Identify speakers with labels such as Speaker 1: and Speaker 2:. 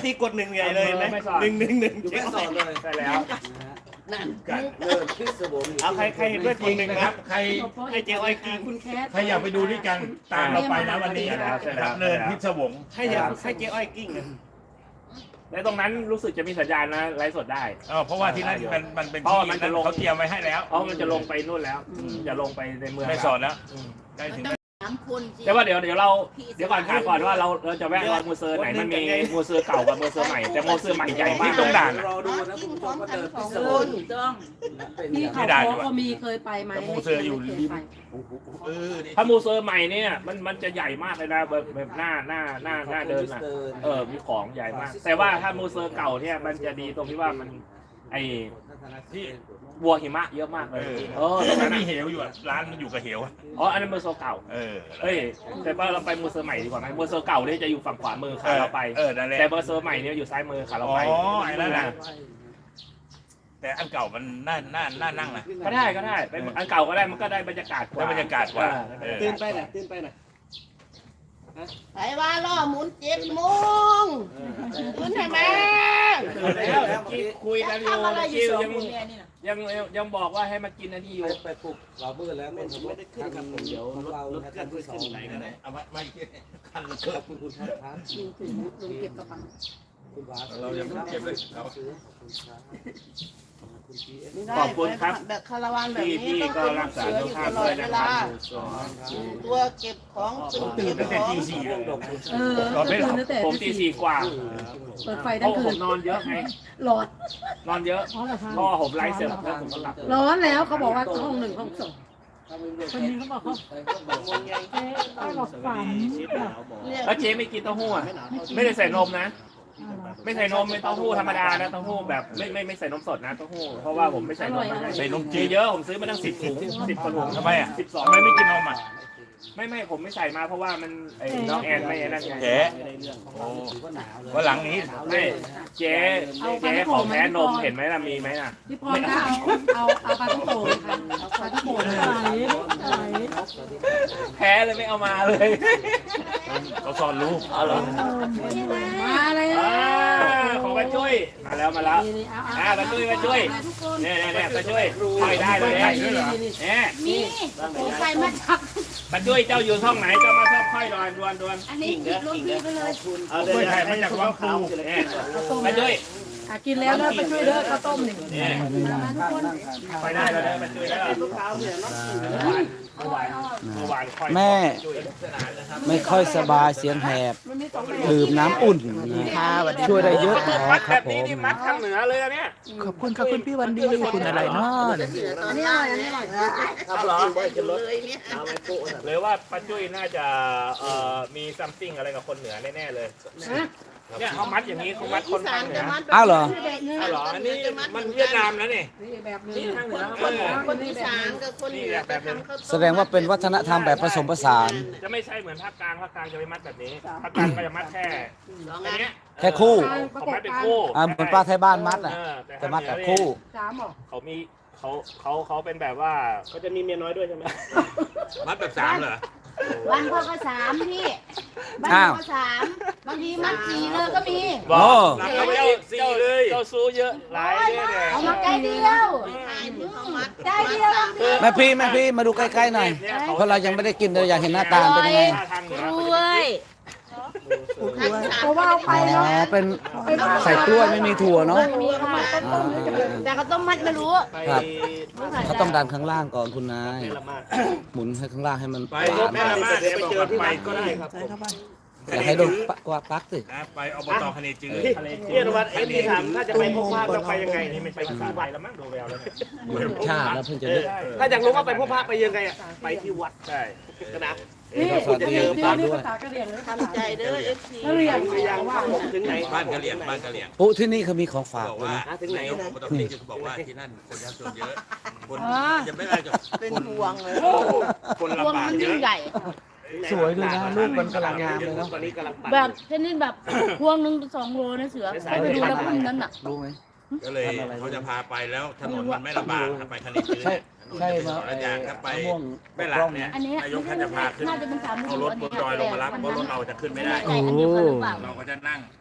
Speaker 1: ทีกด1ใหญ่เลยไหม111
Speaker 2: อยู่แม่สอนเลย
Speaker 3: ใช่แล้ว
Speaker 2: นั่นกันเริ่มพิศวง
Speaker 1: เอาใครเห็นด้วยกด1นะครับ
Speaker 4: ใคร
Speaker 1: ให้เจ๊อ้อยกิน
Speaker 5: คุณแคท
Speaker 4: ใครอยากไปดูด้วยกันตามเราไปนะวันนี้ครับเนินพิศวง
Speaker 1: ให้เจ๊อ้อยกิ้ง
Speaker 3: และตรงนั้นรู้สึกจะมีสัญญาณนะไลฟ์สดได้
Speaker 4: เพราะว่าที่นั่นมันเป็นที่เขาเตรียมไว้ให้แล้ว
Speaker 3: เพราะมันจะลงไปนู่นแล้วจะลงไปในเมือง
Speaker 4: ไม่สอนแล้วได้ถึง
Speaker 5: 3 คน
Speaker 3: แต่ว่าเดี๋ยวก่อนถามก่อนว่าเราจะแวะรอยมูเซอร์ไหนมันมีมูเซอร์เก่ากับมูเซอร์ใหม่แต่มูเซอร์ใหม่ใหญ่มาก
Speaker 4: ที่ต้องด่าน
Speaker 2: รอดูนะคุณผู้ชมว่าเดินพิศ
Speaker 5: 2
Speaker 2: ว
Speaker 5: ค
Speaker 2: ง
Speaker 5: นถูกต้อง
Speaker 2: เป็น
Speaker 5: ที่
Speaker 2: อย่าง
Speaker 5: เขาก็มีเคยไปไหม
Speaker 4: มูเซอร์อยู่ริม
Speaker 3: ถ้ามูเซอร์ใหม่เนี่ยมันจะใหญ่มากเลยนะแบบหน้าเดินนะมีของใหญ่มาก แต่ว่าถ้ามูเซอร์เก่าเนี่ยมันจะดีตรงที่ว่ามันไอ้ที่วัวหิมะเยอะมากเลย
Speaker 4: มันมีเหวอยู่ร้านมันอยู่กับเหว
Speaker 3: อ๋ออันนั้นมูเซอร์เก่าแต่ว่าเราไปมูเซอร์ใหม่ดีกว่าไหมมูเซอร์เก่าเนี่ยจะอยู่ฝั่งขวามือขาเราไปแต่มูเซอร์ใหม่เนี่ยอยู่ซ้ายมือขาเราไป
Speaker 4: อ๋อไอ้นั่นนะแต่อันเก่ามันน่านั่งนะ
Speaker 3: ก็ได้เป็นอันเก่าก็ได้มันก็ได้บรรยากาศกว่า
Speaker 4: บรรยากาศกว่า
Speaker 1: ตื่นไปน่ะ
Speaker 5: ไอ้ว่าล่อหมุน7 โมงตื่นให้แม่
Speaker 3: แล้วคุยกันอยู่
Speaker 5: ทำอะไรอยู่
Speaker 3: คิว
Speaker 5: 2 คนเนี่ยนี่นะ
Speaker 3: ยังบอกว่าให้มากินอันนี้อยู่
Speaker 2: ไปปลุกเรามืดแล้วไม่ได้ขึ้นครับผมเดี๋ยวรถกันที่2ไหนกันเลย
Speaker 4: เอาไม่คัน
Speaker 2: ขอบคุณคุณครับ
Speaker 5: ลุงเก็บกระเป๋า
Speaker 2: คุณบาส
Speaker 4: เรายังไม่เก็บเลยเรา
Speaker 3: ขอบคุณครับ
Speaker 5: แบบคาราวานแบบ
Speaker 3: พี่
Speaker 5: นี้ต้อง
Speaker 3: ก็
Speaker 5: เป็น
Speaker 3: รักษา
Speaker 5: เสือ
Speaker 3: สุ
Speaker 5: อ
Speaker 3: ข
Speaker 5: ยู่
Speaker 3: ภา
Speaker 5: ต
Speaker 3: พ
Speaker 5: ลอ
Speaker 3: ด้ว
Speaker 5: ด
Speaker 3: ย
Speaker 5: เว
Speaker 3: นะค
Speaker 5: ลา
Speaker 3: รับ
Speaker 5: ตัวเก็บของเป็น
Speaker 4: ตื่นตั้งแต่ตี 4
Speaker 2: พวกดอก
Speaker 3: ผมตี 4 กว่า
Speaker 5: เปิดไฟ
Speaker 3: เพ
Speaker 5: ทั้ง
Speaker 3: ราะ
Speaker 5: คื
Speaker 3: ผ
Speaker 5: น
Speaker 3: มนอนเยอะไง
Speaker 5: ร้อน
Speaker 3: นอนเยอะพอผมไลฟ์เสร็จแล้วผมก็หลับ
Speaker 5: ร้อนแล้วเขาบอกว่าห้อง 1 ห้อง 2
Speaker 2: คนนี้เขาบอกเขา
Speaker 3: แล้วเจ๊ไม่กินเต้าหู้อ่ะไม่ได้ใส่นมนะ ไม่ใส่นมไม่เต้าหู้ธรรมดานะเต้าหู้แบบไม่ใส่นมสดนะเต้าหู้เพราะว่าผมไม่ใส่นมมาให้
Speaker 4: ใส่นม
Speaker 3: จี
Speaker 4: จีน
Speaker 3: เยอะผมซื้อมาตั้ง10 ถุง 10 ถุง
Speaker 4: ทำไมอ่ะ
Speaker 3: 12
Speaker 4: ทำไมไม่กินนมอ่ะ
Speaker 3: ไม่ผมไม่ใส่มาเพราะว่ามันไอ้น้องแอนไม่นั่นไง
Speaker 4: เจ๊วันหลังนี้
Speaker 3: ไม่เจ๊ของแพ้นมเห็นไหมล่ะมีไหมล่ะ
Speaker 5: พี่พรคะเอาปลาท่องโกะค่ะเอาปลาท่องโกะไหน
Speaker 3: แพ้เลยไม่เอามาเลย
Speaker 4: เขาสอนรู้
Speaker 3: เอาเหรอ
Speaker 5: มาเลย
Speaker 3: ของป้าจุ้ยมาแล้วป้าจุ้ยเนี่ยป้าจุ้ยค่อยได้เลยเนี่ย
Speaker 5: มีผมใส่มาจับ
Speaker 3: ป้าจุ้ยเจ้าอยู่ช่องไหนเจ้ามาชอบค่อยดวน
Speaker 5: อันนี้กินรถพี่ไปเลย
Speaker 1: เอาเลยไทยมาจากวังปู
Speaker 3: เนี่ยป้าจุ้ย
Speaker 5: กินแล้วแล้วไปช่วยเด้อข้าวต้มหนึ่ง
Speaker 3: เนี่ย
Speaker 5: มาทุกคน
Speaker 3: ค่อยได้แล้วป้าจุ้ยแล้วเมื่อวานค่อย
Speaker 6: แม่ไม่ค่อยสบายเสียงแหบดื่มน้ำอุ่นช่วยได้เยอะ
Speaker 3: มัด
Speaker 6: ค
Speaker 3: แบ
Speaker 6: รับบ ผ
Speaker 3: นี้
Speaker 6: ม
Speaker 3: นี่มัดทางเหนือเลยเนี่ย
Speaker 6: ขอบคุณครับคุณพี่วันดีคุณอะไรเนาะ
Speaker 5: อันนี้อร่อยอันนี้อร่อย
Speaker 3: ครับเหรอ
Speaker 5: เลยเนี่ย
Speaker 3: หรือว่าป้าจุ้ยน่าจะมีซัมติงอะไรกับคนเหนือแน่ๆเลยเนี่ยเขามัดอย่างนี้เขามัดคนทางเหนือ
Speaker 6: อ้าวเหรอ
Speaker 3: อ้าวเหรออันนี้มันเวียดนามแล้วนี่
Speaker 5: นี่แบบนึง
Speaker 3: นี่ทางเหนือ
Speaker 5: คนอีสานกับคนเหนือแบบนึง
Speaker 6: แสดงว่าเป็นวัฒนธรรมแบบผสมผสาน
Speaker 3: จะไม่ใช่เหมือนภาคกลางจะไม่มัดแบบนี้ภาคกลางก็จะมัดแค่อันเนี้ย
Speaker 6: แค่คู่
Speaker 3: เขามัดเป็นคู่
Speaker 6: เหมือนปลาไทยบ้านมัดอ่ะ
Speaker 3: แต่
Speaker 6: จะมัดแบบคู่
Speaker 5: 3หรอ
Speaker 3: เขามีเขาเป็นแบบว่าเขาจะมีเมียน้อยด้วยใช่ไหม
Speaker 4: มัดแบบ3เหรอ
Speaker 7: บ้านพ่อก็3พี่บ้านพ่อก็3บางทีมัน4เลยก็มี
Speaker 3: บอก
Speaker 6: โอ้
Speaker 3: เจ้าสี่เลยเจ้าซูเยอะหลายเลยเนี่ย
Speaker 7: เอามาใกล้เดียวใกล้เดียว
Speaker 6: แม่พี่มาดูใกล้ๆหน่อย เพราะเรายังไม่ได้กินเลยอยากเห็นหน้าตาเป็นยังไง
Speaker 3: ทางเหนือ
Speaker 7: กล้วย
Speaker 5: เพราะว่าเอาไป
Speaker 6: อ๋อ
Speaker 5: เนาะ
Speaker 6: เป็นใส่กล้วยไม่มีถั่วเนาะ
Speaker 7: มีค่ะแต่เขาต้มมัดไม่รู้
Speaker 6: ครับเขาต้องดันข้างล่างก่อนคุณนาย หมุนให้ข้างล่างให้มัน
Speaker 4: ไป
Speaker 6: หวาน
Speaker 4: แม่ละมาเดี๋ยวไปเจอที่วัดก็ได้ครับ
Speaker 6: อย่าให้โดนปลักสิ
Speaker 4: ไปอบตคะเนจือ
Speaker 1: เรียกว่าที่ถามถ้าจะไปพบพระต้องไปยังไง
Speaker 3: นี่ไม่ใช่ภาษาไทยแล้วมั้งดูแววแล้วเนี่ย
Speaker 6: ชาติแล้วเพิ่งจะนึก
Speaker 1: ถ้าอยากรู้ว่าไปพบพระไปยังไงอ่ะไปที่วัด
Speaker 3: ใช่
Speaker 1: นะ
Speaker 5: นี่
Speaker 6: สวัสดี
Speaker 5: นี่
Speaker 6: ป้า
Speaker 5: นี่
Speaker 6: ด้วย
Speaker 5: ภาษากะเหรี่ยงเลย
Speaker 7: ทำใจเด้อ FC
Speaker 5: กะเหรี่ยง
Speaker 1: พยายามว่าผมถึงไหน
Speaker 4: บ้านกะเหลี่ยงบ้านกะเหลี่ยง
Speaker 6: ปุ๊ที่นี่เขามีของฝาก
Speaker 4: บอก
Speaker 6: ด้วย
Speaker 4: ว่า
Speaker 6: นะ
Speaker 1: ถึงไหน
Speaker 4: นายกอบตคะเนจือบอกว่าที่นั่นคนยากจนเยอะคนยังไม่ได้จะ
Speaker 7: เป็นห่วงเลย
Speaker 4: คน
Speaker 7: ห่วง
Speaker 4: ลำบาก
Speaker 7: มัน
Speaker 4: เย
Speaker 7: ยิ่ง
Speaker 4: อะ
Speaker 7: ใหญ่
Speaker 6: สวยเลยนะรูปมันกำลังงามเลยเนาะ
Speaker 1: ตอนนี้กำลังปั่น
Speaker 7: แบบชนิดแบบพวงหนึ่ง2 โลนะเสือไปดูแล้วพุ่มนั้นน่ะ
Speaker 6: รู้ไหม
Speaker 4: ก็เลยเขาจะพาไปแล้วถนนมันไม่ลำบากไปคะเนจือ
Speaker 6: ใช่มา
Speaker 4: ระยางถ้าไป
Speaker 6: มะม่วง
Speaker 4: แม่หลักเนี่ย
Speaker 7: อันนี้
Speaker 4: นายกท่านจะพาขึ้น
Speaker 7: น่าจะเป็น3
Speaker 4: เอารถบนดอยลงมารับเพราะรถเราจะขึ้นไม่ได้
Speaker 7: อันเดียวกันหรือเปล่า
Speaker 4: เราก็จะนั่ง